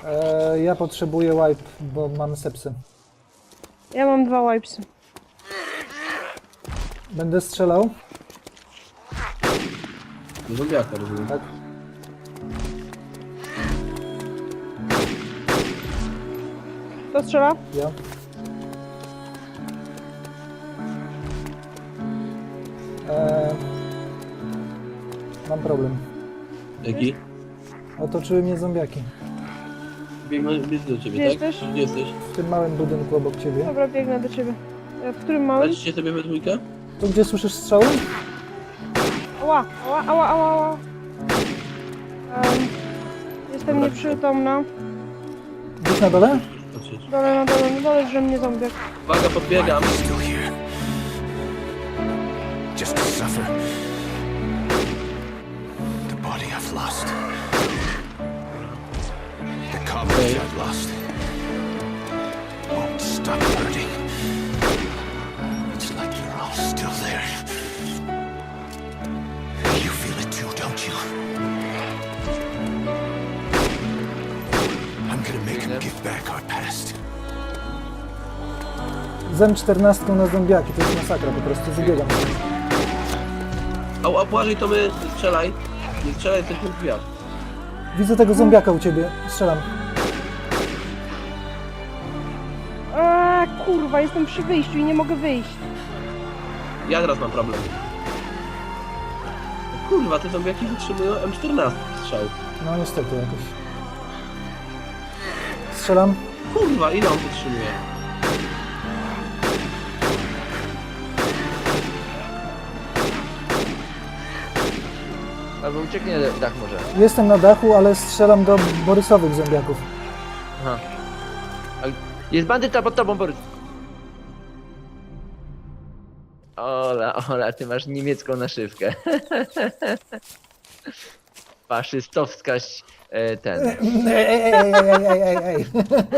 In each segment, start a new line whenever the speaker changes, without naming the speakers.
Ja potrzebuję wipe, bo mam sepsy.
Ja mam 2 wipesy.
Będę strzelał?
Zombiaka, rozumiem.
Tak.
Kto strzela?
Ja. Mam problem.
Jaki?
Otoczyły mnie zombiaki.
Biegnę do ciebie,
Gdzie
tak?
jesteś?
Gdzie jesteś?
W tym małym budynku obok ciebie.
Dobra, biegnę do ciebie. W którym małym?
Lecicie sobie we dwójkę?
Tu gdzie słyszysz strzały?
Ała, ała, ała, ała, ała. Jestem
Dobra.
nieprzytomna.
Gdzieś na dole?
Patrzeć.
Na dole, że mnie zombiak.
Uwaga, podbiegam.
Still here. Just to suffer. The body I've lost. The comrades I've lost. Won't stop hurting. It's like you're all still there. You feel it too, don't you? I'm gonna make them give back our past.
Zem 14 na zombiaki, to jest masakra, po prostu wybiegam.
A Błażej, to my strzelaj. Nie strzelaj, jesteśmy w drzwiach.
Widzę tego zombiaka u ciebie, strzelam.
Kurwa, jestem przy wyjściu i nie mogę wyjść.
Ja teraz mam problem. Kurwa, te zombiaki wytrzymują M14 strzał.
No niestety jakoś. Strzelam.
Kurwa, ile on wytrzymuje?
Albo ucieknie dach może.
Jestem na dachu, ale strzelam do borysowych zombiaków.
Aha. Jest bandyta pod tobą, Borys. Ola, ty masz niemiecką naszywkę. Faszystowska ten.
Ej.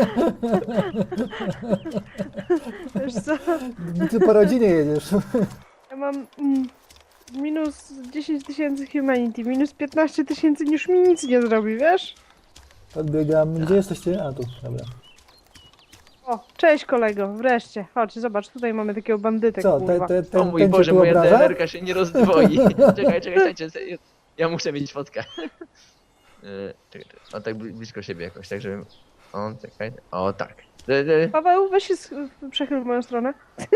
Wiesz co?
Ty po rodzinie jedziesz.
Ja mam minus 10 000 humanity, minus 15 000, już mi nic nie zrobi, wiesz?
Podbiegam. Gdzie jesteście? A tu, dobra.
O, cześć kolego, wreszcie. Chodź, zobacz, tutaj mamy takiego bandytę,
Co,
kurwa.
O mój
ten cię
Boże,
tu
moja
obraża?
DMR-ka się nie rozdwoi. Czekaj, stańcie. Ja muszę mieć fotkę. Czekaj. O, tak blisko siebie jakoś, tak żeby... O, czekaj. O, tak.
Paweł, weź się przechyl w moją stronę.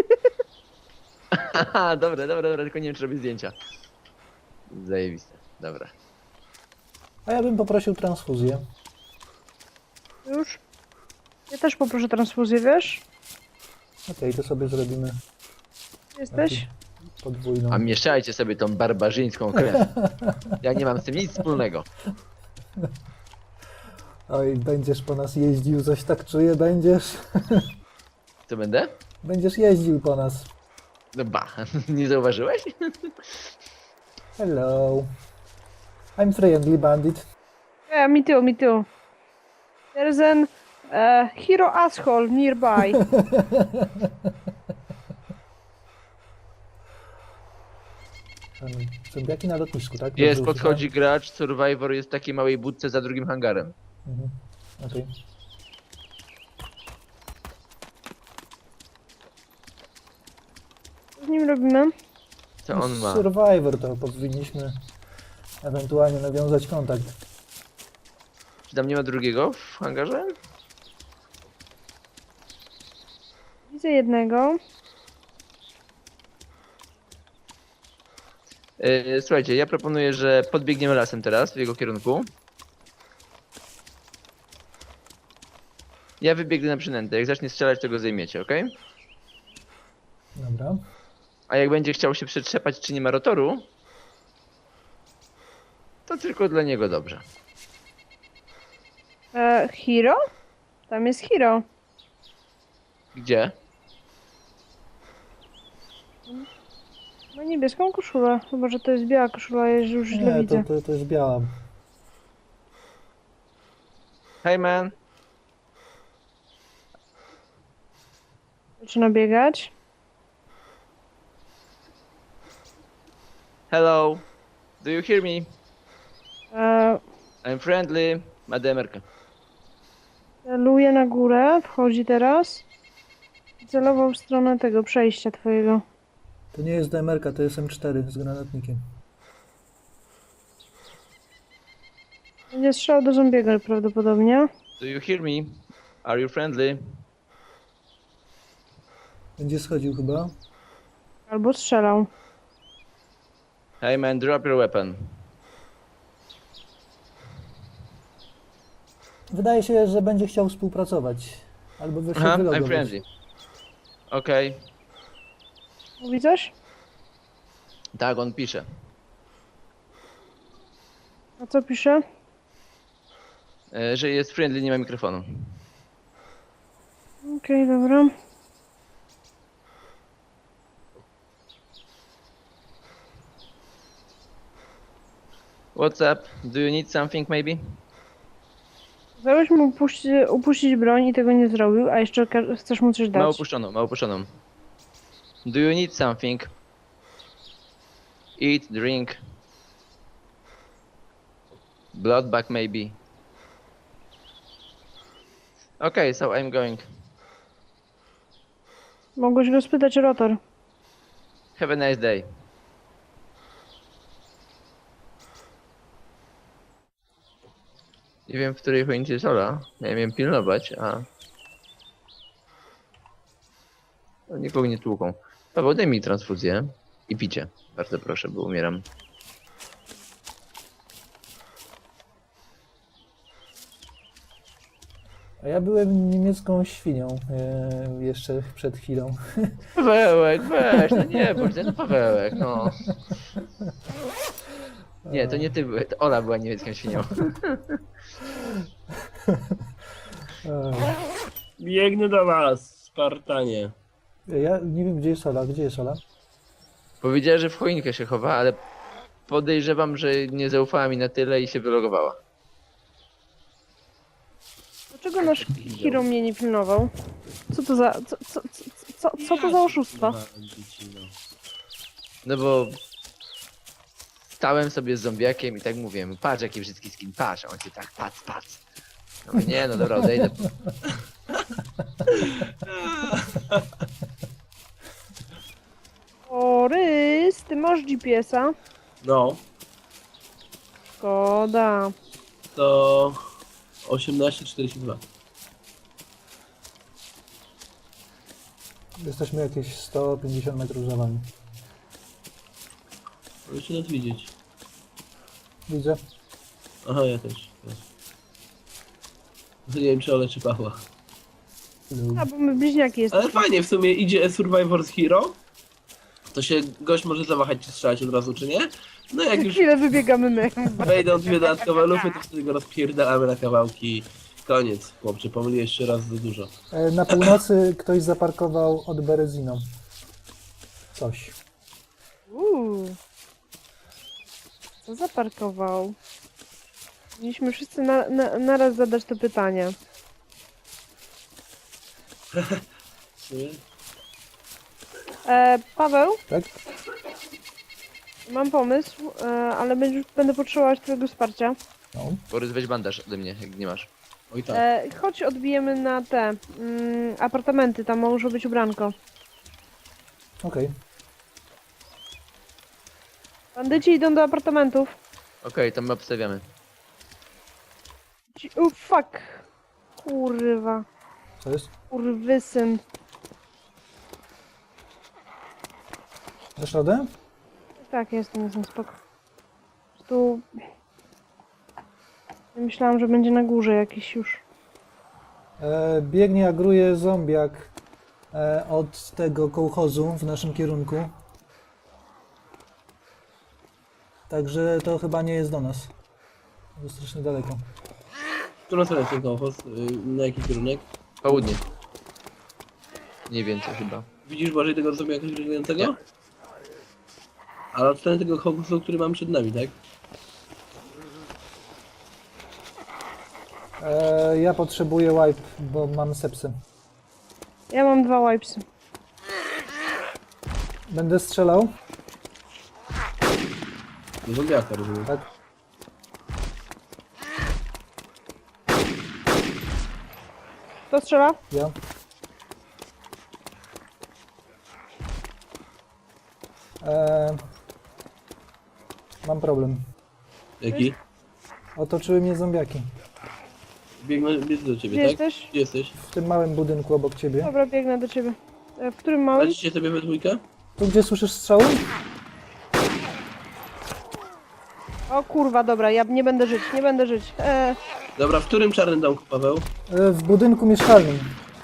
Haha, dobra, tylko nie wiem, czy robię zdjęcia. Zajebiste, dobra.
A ja bym poprosił transfuzję.
Już? Ja też poproszę transfuzję, wiesz?
Okej, to sobie zrobimy
Jesteś?
podwójną.
A mieszajcie sobie tą barbarzyńską krew. Ja nie mam z tym nic wspólnego.
Oj, będziesz po nas jeździł, coś tak czuję, będziesz.
Co będę?
Będziesz jeździł po nas.
No ba, nie zauważyłeś?
Hello. I'm friendly bandit.
Yeah, me too. There's an hero asshole nearby.
Zombiaki na lotnisku, tak?
Jest,
Dobrze
podchodzi gracz, Survivor jest w takiej małej budce za drugim hangarem.
Mhm. Okej.
Co z nim robimy?
Co on ma?
Survivor to powinniśmy ewentualnie nawiązać kontakt.
Czy tam nie ma drugiego w hangarze?
Widzę jednego.
Słuchajcie, ja proponuję, że podbiegniemy lasem teraz w jego kierunku. Ja wybiegnę na przynętę. Jak zacznie strzelać, to go zajmiecie, ok?
Dobra.
A jak będzie chciał się przetrzepać, czy nie ma rotoru, to tylko dla niego dobrze.
Hero? Tam jest hero.
Gdzie?
Ma niebieską koszulę. Chyba, że to jest biała koszula, ja już źle
Nie,
widzę.
to jest biała.
Hey man!
Zaczyna biegać.
Hello! Do you hear me?
E,
I'm friendly. Ma DMR-kę.
Celuje na górę, wchodzi teraz. Celował w stronę tego przejścia twojego.
To nie jest DMR-ka, to jest M4 z granatnikiem.
Będzie strzał do zombiego prawdopodobnie.
Do you hear me? Are you friendly?
Będzie schodził chyba.
Albo strzelał.
Hey man, drop your weapon.
Wydaje się, że będzie chciał współpracować. Albo wreszcie
Aha, I'm
wylogować.
friendly. Okej.
Mówi coś?
Tak, on pisze.
A co pisze?
Że jest friendly, nie ma mikrofonu.
Okej, dobra.
What's up? Do you need something maybe?
Kazałeś mu upuścić broń i tego nie zrobił, a jeszcze chcesz mu coś
Ma
dać.
opuszczoną, ma opuszczoną. Do you need something? Eat, drink. Blood bag maybe. Okay, so I'm going.
Mogłeś go spytać o rotor.
Have a nice day. Nie wiem, w której choince jest Ola. Ja miałem pilnować, a... No, nikogo nie tłuką. Paweł, daj mi transfuzję i picie. Bardzo proszę, bo umieram.
A ja byłem niemiecką świnią jeszcze przed chwilą.
Pawełek, weź, no nie bądź, no Pawełek, no. Nie, to nie ty byłeś, to Ola była niemiecką świnią.
Biegnę do was, Spartanie.
Ja nie wiem, gdzie jest Ola. Gdzie jest Ola?
Powiedziała, że w choinkę się chowa, ale podejrzewam, że nie zaufała mi na tyle i się wylogowała.
Dlaczego nasz hero mnie nie pilnował? Co to za... Co to za oszustwo?
No bo stałem sobie z zombiakiem i tak mówię, patrz jaki brzydki skin, patrz, a on się tak, patrz. No mówię, nie, no dobra, odejdę.
O, Rys, ty masz GPS-a?
No,
Szkoda.
to 18:42.
Jesteśmy jakieś 150 metrów za wami.
Możecie nas widzieć.
Widzę.
Aha, ja też. Nie wiem, czy Ole, czy Pawła.
A, bo my bliźniaki jesteśmy.
Ale fajnie, w sumie idzie Survivor's Hero. To się gość może zawahać, czy strzelać od razu, czy nie. No jak
Za
już
chwilę wybiegamy my.
wejdą dwie dodatkowe lufy, to wtedy go rozpierdalamy na kawałki. Koniec, chłopcze, pomyliłeś jeszcze raz za dużo.
Na północy ktoś zaparkował od Bereziną. Coś.
Co zaparkował? Mieliśmy wszyscy naraz zadać to pytanie.
W sumie?
Paweł,
Tak?
mam pomysł, ale będę potrzebować twojego wsparcia.
No.
Borys, weź bandaż ode mnie, jak nie masz.
Oj tak.
Chodź, odbijemy na te apartamenty, tam może być ubranko.
Okej.
Bandyci idą do apartamentów.
Okej, to my obstawiamy.
Fuck. Kurwa.
Co jest?
Kurwysyn.
Dasz radę?
Tak, jestem spoko. Tu... Myślałam, że będzie na górze jakiś już.
Biegnie, agruje zombiak od tego kołchozu w naszym kierunku. Także to chyba nie jest do nas. To jest strasznie daleko.
Którą stronę jest ten kołchoz? Na jaki kierunek?
Południe. Nie więcej chyba.
Widzisz bardziej tego sobie jakoś gryzującego?
Nie.
Ale od strony tego kołchozu, który mam przed nami, tak?
Ja potrzebuję wipe, bo mam sepsy.
Ja mam 2 wipesy.
Będę strzelał?
Do zombiaka, rozumiem.
Tak.
Kto strzela?
Ja. Mam problem.
Jaki?
Otoczyły mnie zombiaki.
Biegnę do ciebie,
Gdzie
tak?
jesteś?
Gdzie jesteś?
W tym małym budynku obok ciebie.
Dobra, biegnę do ciebie. W którym małym?
Radzicie sobie we dwójkę?
Tu gdzie słyszysz strzały?
O kurwa, dobra, ja nie będę żyć, nie będę żyć.
Dobra, w którym czarnym domku, Paweł?
W budynku mieszkalnym.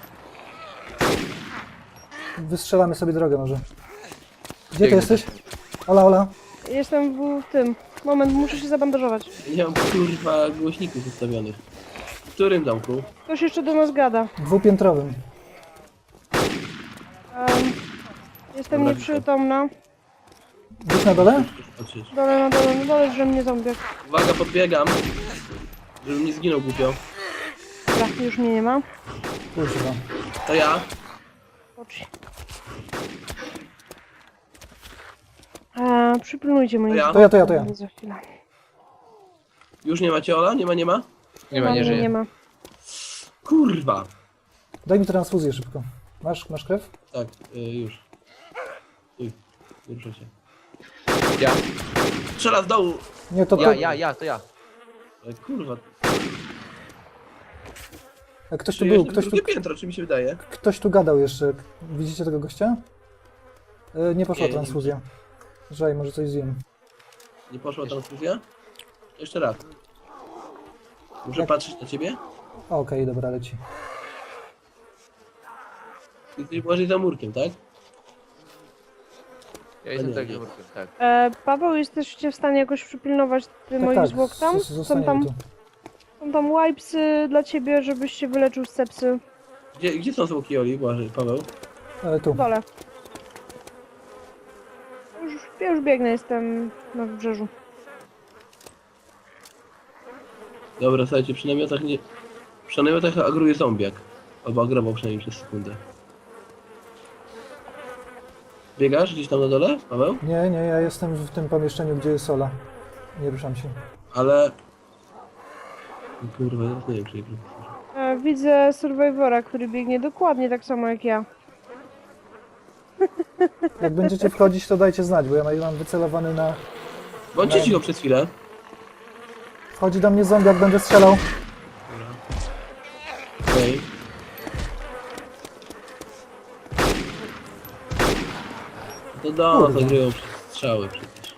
Wystrzelamy sobie drogę może. Gdzie ty
Biegnę.
jesteś? Ola, Ola.
Jestem w tym. Moment, muszę się zabandażować.
Nie mam kurwa głośników ustawionych. W którym domku?
Ktoś jeszcze do nas gada.
Dwupiętrowym.
Jestem
Dobra,
nieprzytomna.
Gdzieś na dole?
Patrzeć.
Na dole, że mnie zombiak.
Uwaga, podbiegam. Żebym nie zginął głupio.
Dobra, już mnie nie ma.
Kurwa.
To ja.
Ocz. Przypilnujcie moich
Ja?
To ja.
Za chwilę.
Już nie macie Ola? Nie ma, nie ma?
Nie ma, nie żyje.
Nie ma.
Kurwa.
Daj mi transfuzję szybko. Masz krew?
Tak, już. Uj, nie ruszę się.
Ja,
Strzela z dołu.
Nie, to
to ja.
Kurwa.
Ktoś tu
Czy
był,
jeszcze
ktoś tu,
drugie piętro, czy mi się wydaje?
ktoś tu gadał jeszcze. Widzicie tego gościa? Nie poszła
Nie, nie
transfuzja. Żaj, może coś zjem.
Nie poszła transfuzja? Jeszcze raz. Muszę
Jak?
patrzeć na ciebie?
Okej, dobra, leci.
Jesteś bardziej za murkiem, tak?
Ja jestem
nie,
tak
nie.
dobrym, tak.
Paweł, jesteście w stanie jakoś przypilnować moich zwłok tam?
Zostaniemy tu.
Są tam wipesy dla ciebie, żebyś się wyleczył z sepsy.
Gdzie są zwłoki Oli, Błażej, Paweł?
Tu.
W dole. Ja już biegnę, jestem na wybrzeżu.
Dobra, słuchajcie, przy namiotach nie... Przy namiotach agruje zombiak. Albo agrował przynajmniej przez sekundę. Biegasz gdzieś tam na dole, Paweł?
Nie, ja jestem w tym pomieszczeniu, gdzie jest Ola. Nie ruszam się.
Ale... Kurwa, nie wiem, czy...
Widzę Survivora, który biegnie dokładnie tak samo jak ja.
Jak będziecie wchodzić, to dajcie znać, bo ja mam wycelowany na...
Bądźcie cicho przez chwilę.
Wchodzi do mnie zombie, jak będę strzelał.
Okej. To do nas
Kurwa.
agrują przez strzały przecież.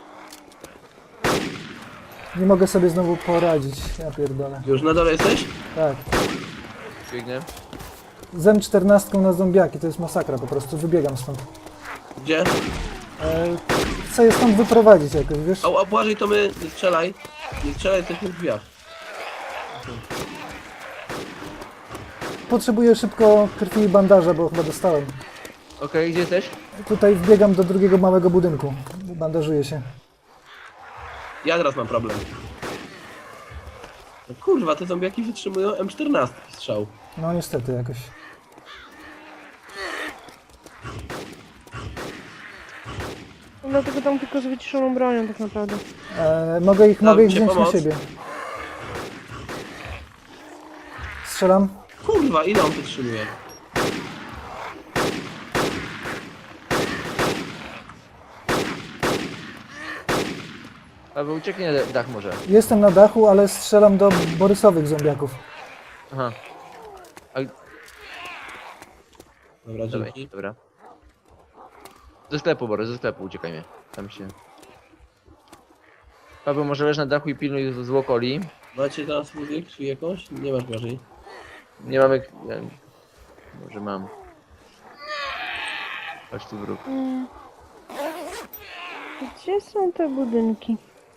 Nie mogę sobie znowu poradzić, ja pierdolę.
Już na dole jesteś?
Tak.
Biegnę.
Z M14 na zombiaki, to jest masakra po prostu, wybiegam stąd.
Gdzie?
Chcę je stąd wyprowadzić jakoś, wiesz?
A Błażej, to my... Nie strzelaj. Nie strzelaj, jesteśmy w drzwiach.
Potrzebuję szybko krwi i bandaża, bo chyba dostałem.
Okej, gdzie jesteś?
Tutaj wbiegam do drugiego małego budynku. Bandażuję się.
Ja teraz mam problem. No kurwa, te zombiaki wytrzymują M14 strzał.
No niestety jakoś.
Dlatego tam tylko z wyciszoną bronią tak naprawdę.
Mogę ich
Dam ci
wziąć na
pomoc.
siebie. Strzelam.
Kurwa, ile on wytrzymuje?
Albo ucieknie na dach może.
Jestem na dachu, ale strzelam do borysowych zombiaków.
Aha.
Dobra,
Dawaj,
dzięki.
dobra. Do sklepu, Borys, do sklepu uciekajmy. Tam się... Paweł, może leż na dachu i pilnuj zwłok Oli.
Macie teraz muzykę czy jakąś? Nie masz Błażej.
Nie mamy... Ja... Może mam. Chodź tu wróg.
Gdzie są te budynki?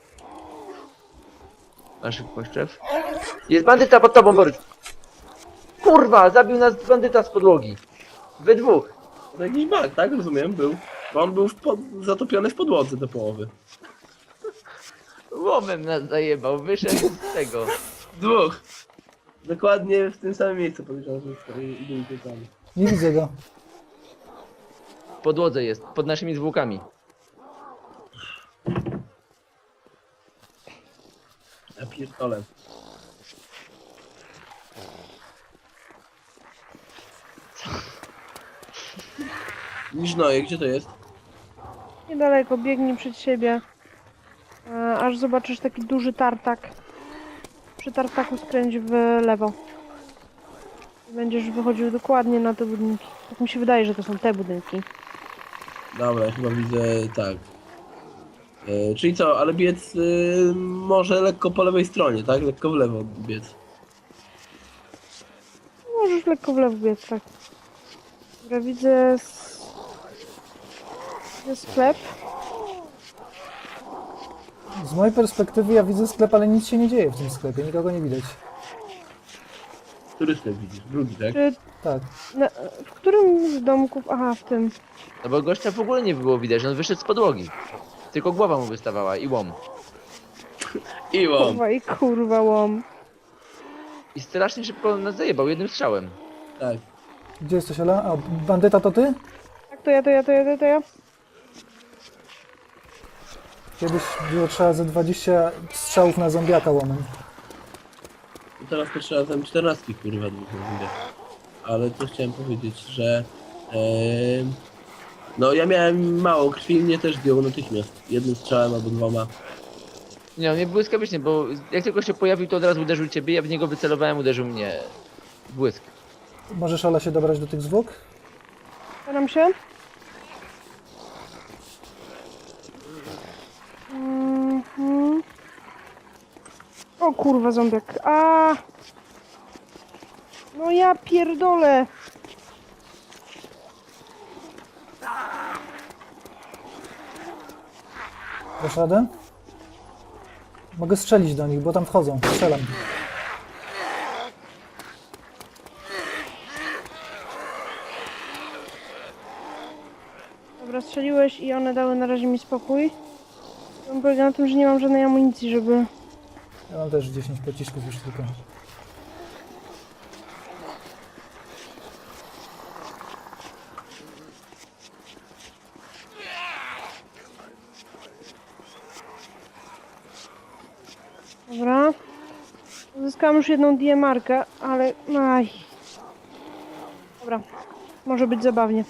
Masz poszczew? Jest bandyta pod tobą, Borys! Kurwa! Zabił nas bandyta z podłogi. We dwóch.
To jakiś bug, tak? Rozumiem, był. Bo on był zatopiony w podłodze do połowy.
Łomem nas zajebał, wyszedł z tego.
Dwóch! Dokładnie w tym samym miejscu powiedział, że byli tutaj.
Nie widzę go.
W podłodze jest, pod naszymi zwłokami.
Ja pierdolę. Niżnoje, gdzie to jest?
Niedaleko, biegnij przed siebie. Aż zobaczysz taki duży tartak. Przy tartaku skręć w lewo. Będziesz wychodził dokładnie na te budynki. Tak mi się wydaje, że to są te budynki.
Dobra, chyba widzę tak. Czyli co, ale biec może lekko po lewej stronie, tak? Lekko w lewo biec.
Możesz lekko w lewo biec, tak. Dobra, widzę sklep.
Z mojej perspektywy ja widzę sklep, ale nic się nie dzieje w tym sklepie, nikogo nie widać.
Który sklep widzisz? Drugi, tak?
Czy
Tak.
w którym z domków? Aha, w tym.
No bo gościa w ogóle nie było widać, on wyszedł z podłogi. Tylko głowa mu wystawała i łom.
I łom.
Kurwa i kurwa łom.
I strasznie szybko nas zajebał jednym strzałem.
Tak.
Gdzie jesteś, Ola? A, bandyta to ty?
Tak, to ja.
Kiedyś było trzeba ze 20 strzałów na zombiaka łomem.
I teraz to trzeba tam 14 kurwa dwóch widzę. Ale to chciałem powiedzieć, że no ja miałem mało krwi i mnie też zdjął natychmiast. Jednym strzałem albo dwoma.
Nie, on mnie błyskawicznie, bo jak tylko się pojawił, to od razu uderzył ciebie, ja w niego wycelowałem, uderzył mnie. Błysk.
Możesz, Ola, się dobrać do tych zwłok?
Staram się. Mhm. O kurwa zombiak. A! No ja pierdolę.
Dasz radę? Mogę strzelić do nich, bo tam wchodzą. Strzelam.
Dobra, strzeliłeś i one dały na razie mi spokój. To polega na tym, że nie mam żadnej amunicji, żeby...
Ja mam też 10 pocisków już tylko.
Dobra. Uzyskałam już jedną DMR-kę, ale... Aj. Dobra. Może być zabawnie.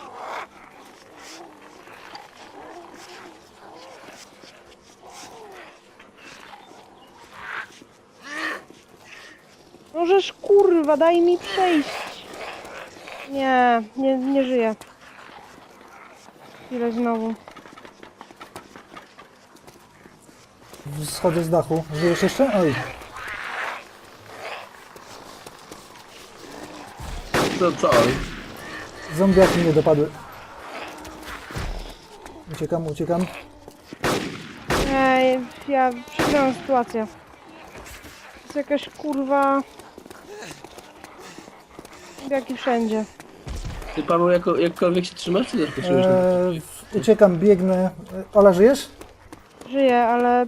Możesz, kurwa, daj mi przejść. Nie żyję. Chwilę znowu.
Schodzę z dachu. Żyjesz jeszcze? Oj.
Co?
Zombiaki mnie dopadły. Uciekam.
Ej, ja przegrałam sytuację. Jest jakaś kurwa... Jaki wszędzie.
Ty Paweł jakkolwiek się trzymasz, czy zaskoczyłeś?
Uciekam, biegnę. Ola, żyjesz?
Żyję, ale...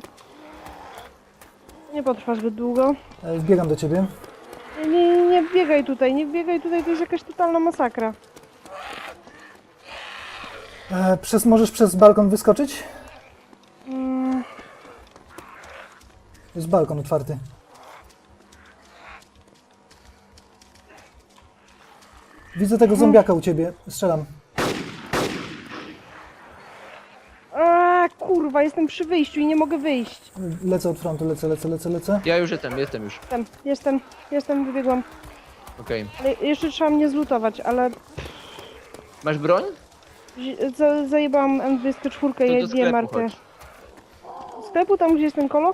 Nie potrwa zbyt długo.
Wbiegam do ciebie.
Nie biegaj tutaj, to jest jakaś totalna masakra.
Możesz przez balkon wyskoczyć?
Mm,
Jest balkon otwarty. Widzę tego zombiaka u ciebie. Strzelam.
kurwa, jestem przy wyjściu i nie mogę wyjść.
Lecę od frontu, lecę.
Ja już jestem już.
Jestem, wybiegłam.
Okej.
Ale jeszcze trzeba mnie zlutować, ale
Masz broń?
zajebałam M24
To
i
do sklepu
DMR-kę.
chodź.
Do sklepu, tam gdzie jest ten kolo?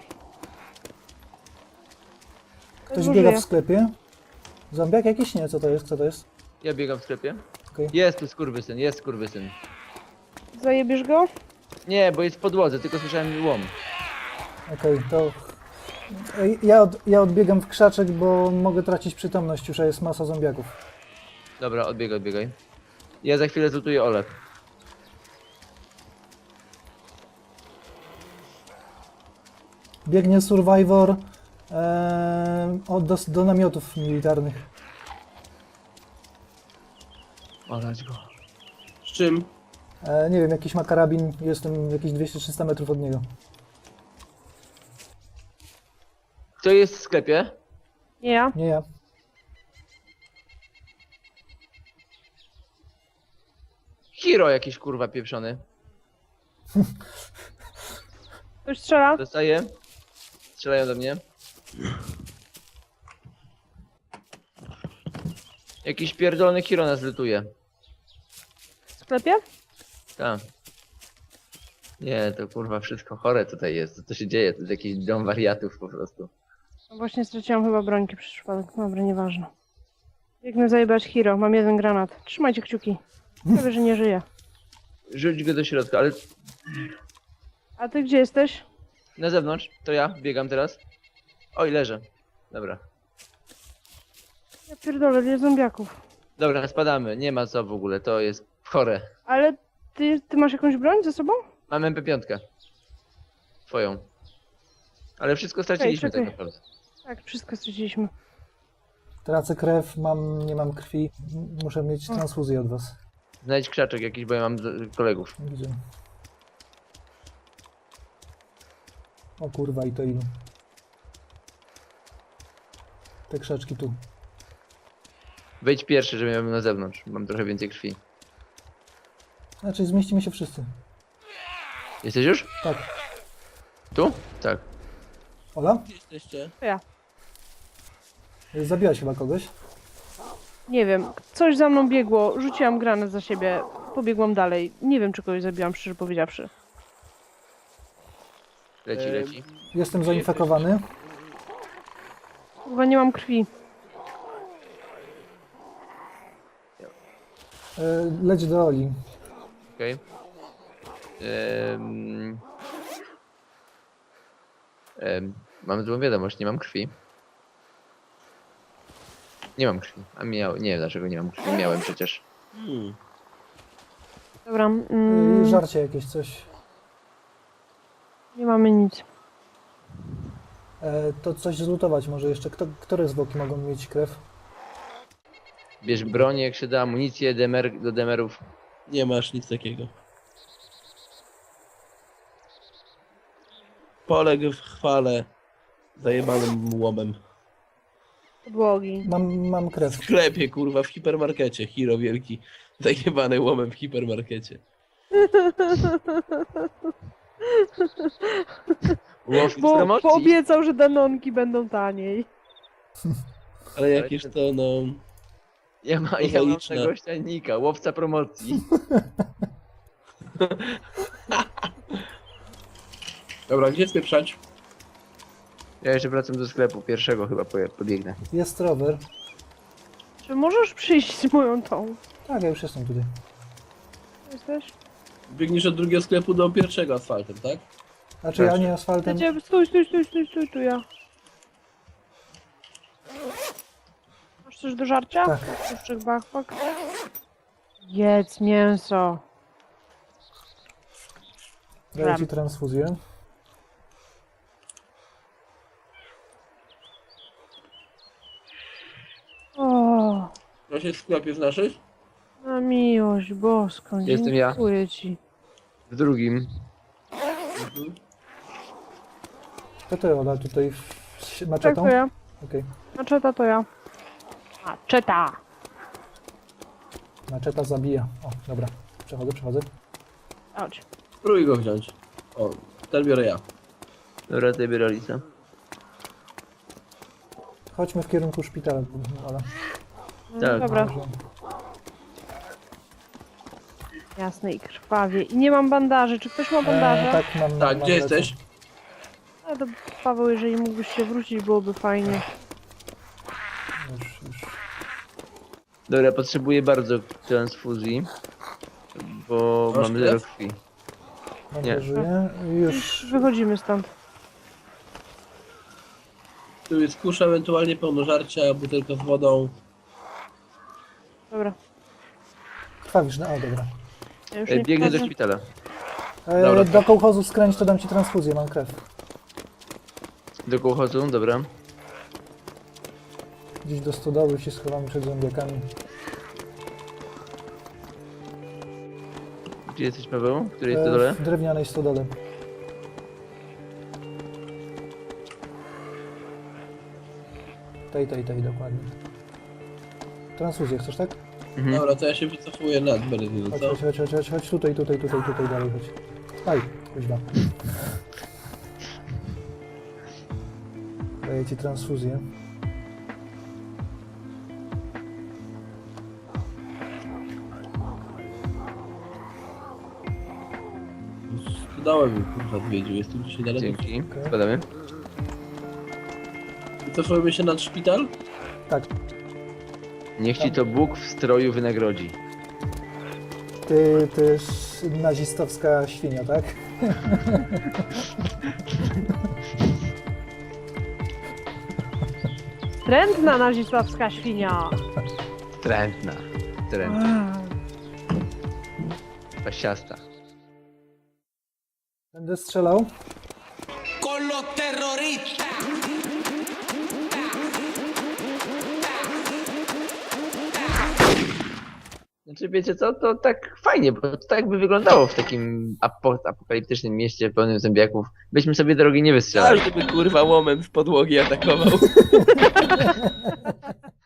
Ktoś
Zużyję.
biega w sklepie. Zombiak jakiś? Nie, co to jest?
Ja biegam w sklepie.
Okej.
Jest tu skurwysyn.
Zajebiesz go?
Nie, bo jest w podłodze, tylko słyszałem łom.
Okej, to... Ja odbiegam w krzaczek, bo mogę tracić przytomność już, a jest masa zombiaków.
Dobra, odbiegaj. Ja za chwilę zlutuję Olę.
Biegnie Survivor do namiotów militarnych.
Olać go.
Z czym?
Nie wiem, jakiś ma karabin, jestem jakieś 200-300 metrów od niego.
Kto jest w sklepie?
Nie ja.
Nie ja.
hero jakiś kurwa pieprzony.
Ktoś strzela?
Dostaję. Strzelają do mnie. Jakiś pierdolony hero nas lutuje.
W sklepie?
Tak. Nie, to kurwa wszystko chore tutaj jest. Co to się dzieje? To jest jakiś dom wariatów po prostu.
No właśnie straciłam chyba brońki przez przypadek. Dobra, nieważne. Biegnę zajebać hero, mam 1 granat. Trzymajcie kciuki. Prawie, że nie żyje.
Rzuć go do środka, ale
A ty gdzie jesteś?
na zewnątrz. To ja biegam teraz. Oj, leżę. Dobra.
Ja pierdolę, ile zombiaków.
Dobra, spadamy. Nie ma co w ogóle. To jest chore.
Ale ty masz jakąś broń ze sobą?
Mam MP5. Twoją. Ale wszystko straciliśmy
czekaj.
tak naprawdę.
Tak, wszystko straciliśmy.
Tracę krew, nie mam krwi. Muszę mieć transfuzję od was.
Znajdź krzaczek jakiś, bo ja mam kolegów.
Gdzie? O kurwa, i to ilu. Te krzaczki tu.
Wejdź pierwszy, żebym ja był na zewnątrz. Mam trochę więcej krwi.
Znaczy zmieścimy się wszyscy.
Jesteś już?
Tak.
Tu? Tak.
Ola?
Gdzie jesteście?
To ja.
Zabiłaś chyba kogoś?
Nie wiem, coś za mną biegło, rzuciłam granat za siebie, pobiegłam dalej. Nie wiem, czy kogoś zabiłam, szczerze powiedziawszy.
Leci.
Jestem zainfekowany.
Chyba nie mam krwi.
Leć do Oli.
Okej. Mam złą wiadomość, nie mam krwi. Nie mam krwi. Nie wiem dlaczego nie mam krwi. Miałem przecież.
Dobra,
Żarcie jakieś coś.
nie mamy nic.
To coś zlutować może jeszcze. Które zwłoki mogą mieć krew?
Bierz broń, jak się da, amunicję, do demerów.
Nie masz nic takiego. Poległ w chwale zajebanym łomem.
Podłogi.
Mam krew.
W sklepie, kurwa, w hipermarkecie. Hiro wielki. Zajebany łomem w hipermarkecie.
Łow z
Bo
promocji.
poobiecał, że danonki będą taniej.
Ale jakież to, no...
Ja mam
Prozaiczne.
tego ściannika, łowca promocji.
Dobra, gdzie spieprzać?
Ja jeszcze wracam do sklepu, pierwszego chyba pobiegnę.
Jest rower.
Czy możesz przyjść z moją tą?
Tak, ja już jestem tutaj.
Jesteś?
Biegniesz od drugiego sklepu do pierwszego asfaltem, tak?
Znaczy ja nie asfaltem.
Stój, tu ja. Masz coś do żarcia?
Tak.
Puszczyk backpack. Jedz mięso.
Daję ci transfuzję.
O,
Ja się w sklepie znasz?
na miłość boską.
Jestem ja.
Dziękuję ci.
W drugim.
To ty, Ola, tutaj z
Tak,
maczetą?
to ja.
Okej.
Maczeta to ja. Maczeta!
Maczeta zabija. O, dobra. Przechodzę.
Chodź.
Spróbuj go wziąć. O, ten biorę ja.
Dobra, ty biorę Lisa.
Chodźmy w kierunku szpitala, Ola.
No,
Tak.
dobra,
Może-
jasne i krwawie. I nie mam bandaży. Czy ktoś ma bandaże?
tak, mam.
Tak,
mam
gdzie
lecę.
jesteś?
A to Paweł, jeżeli mógłbyś się wrócić, byłoby fajnie.
Już.
Dobra, potrzebuję bardzo transfuzji. Bo
Masz
mam
krew?
0 krwi. Nie.
Żyję. Już.
Wychodzimy stąd.
Tu jest kusza, ewentualnie pełno żarcia, butelka z wodą.
Dobra.
Krwawisz, no, o, dobra.
Ja już nie
Biegnę do
wchodzę.
szpitala.
Dobra.
Do kołchozu skręć, to dam ci transfuzję, mam krew.
Do kołchozu, dobra.
Gdzieś do stodoły się schowamy przed zombiakami.
Gdzie jesteś, Paweł? Który jest na dole?
W drewnianej stodole. Tej, dokładnie. Transfuzję chcesz, tak?
Mhm.
Dobra, to ja się wycofuję nad Berezynu,
Chodź,
co?
chodź, tutaj dalej, chodź. Aj, kuźwa. Daję ci transfuzję.
Dałem mi kurwa odwiedził, jest tu dzisiaj daleko.
Dzięki.
Okej.
Spadamy.
Wycofujemy się nad szpital?
Tak,
Niech ci to Bóg w stroju wynagrodzi.
ty też nazistowska świnia, tak?
Trętna nazistowska świnia.
Trętna. Trętna. Pasiasta.
Będę strzelał.
Con los terroristas.
Znaczy wiecie co, to tak fajnie, bo to tak by wyglądało w takim apokaliptycznym mieście pełnym zombiaków. Byśmy sobie drogi nie wystrzelali.
Każdy by kurwa łomem z podłogi atakował.